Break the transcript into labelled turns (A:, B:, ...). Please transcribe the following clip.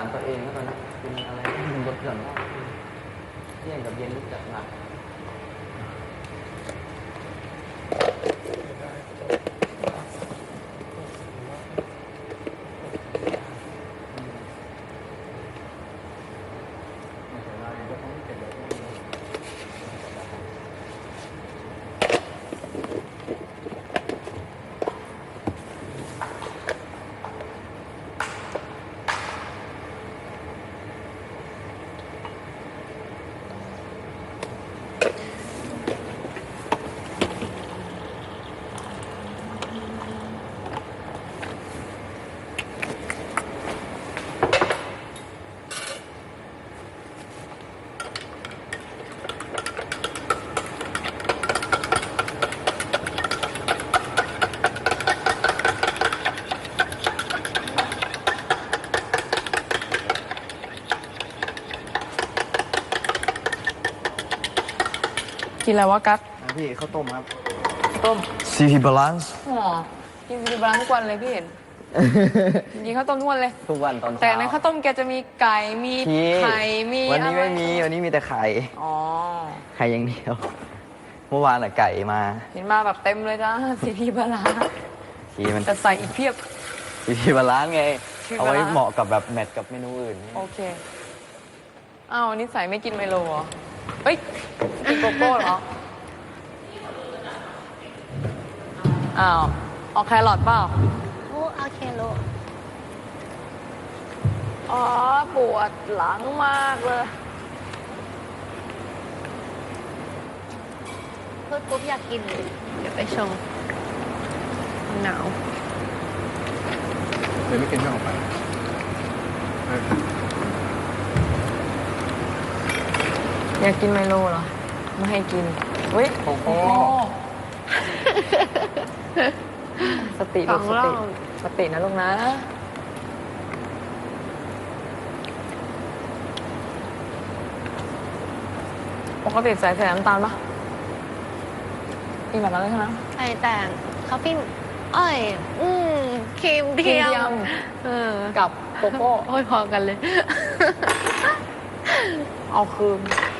A: ารตัวเองแล้วกันนะกินอะไรที่มันลดหย่อนได้เที่ยงกับเย็นรู้จักหนัก
B: กินอะไรวะกั๊ก
A: พี่ข้าวต้มครับ
B: ต้ม
A: CP Balance
B: อ๋อกินซีบรังทุกวันเลยพี่เห็น กินข้าวต้มทุกวันเลย
A: ทุกวันตอนเช้า
B: แต่ในข้าวต้มแกจะมีไก่มี
A: พี่
B: ไข่มี
A: วันนี้
B: อะไร
A: ไม่มีวันนี้มีแต่ไข่
B: อ๋อ
A: ไข่อย่างเดียว เมื่อวานอะไก่มา
B: เห็นมาแบบเต็มเลยจ้า ซีพีบาลา
A: ทีมัน
B: แต่ใส่อีกเพียบ
A: CP Balance ไง
B: CP
A: เอาไว้
B: Balance
A: เหมาะกับแบบแมทกับเมนูอื่น
B: โอเคอ้าวนี่ใส่ไม่กินไมโลเหรอเอ้ยกินโกโก้เหรออ้าวเอาแครอทเปล่า
C: โอ้เอาเคโล
B: อ๋อปวดหลังมากเลย
C: พูดปุ๊บอยากกินเลย เดี๋ยวไปชงหนาว
D: เลยไม่กินไม่ออกไป
B: อยากกินไมโลเหรอ ไม่ให้กินเฮ้ยโอ้โหสติลูกสติสตินะลูกนะ ปกติใส่น้ำตาลปะกินแบบนั้นเลยใช่ไหม
C: ใส่แต่คาเฟอีนอ้อยครีมเทียมเออ
B: กับโกโก้
C: โอ้ยพอกันเลย
B: เอาคืน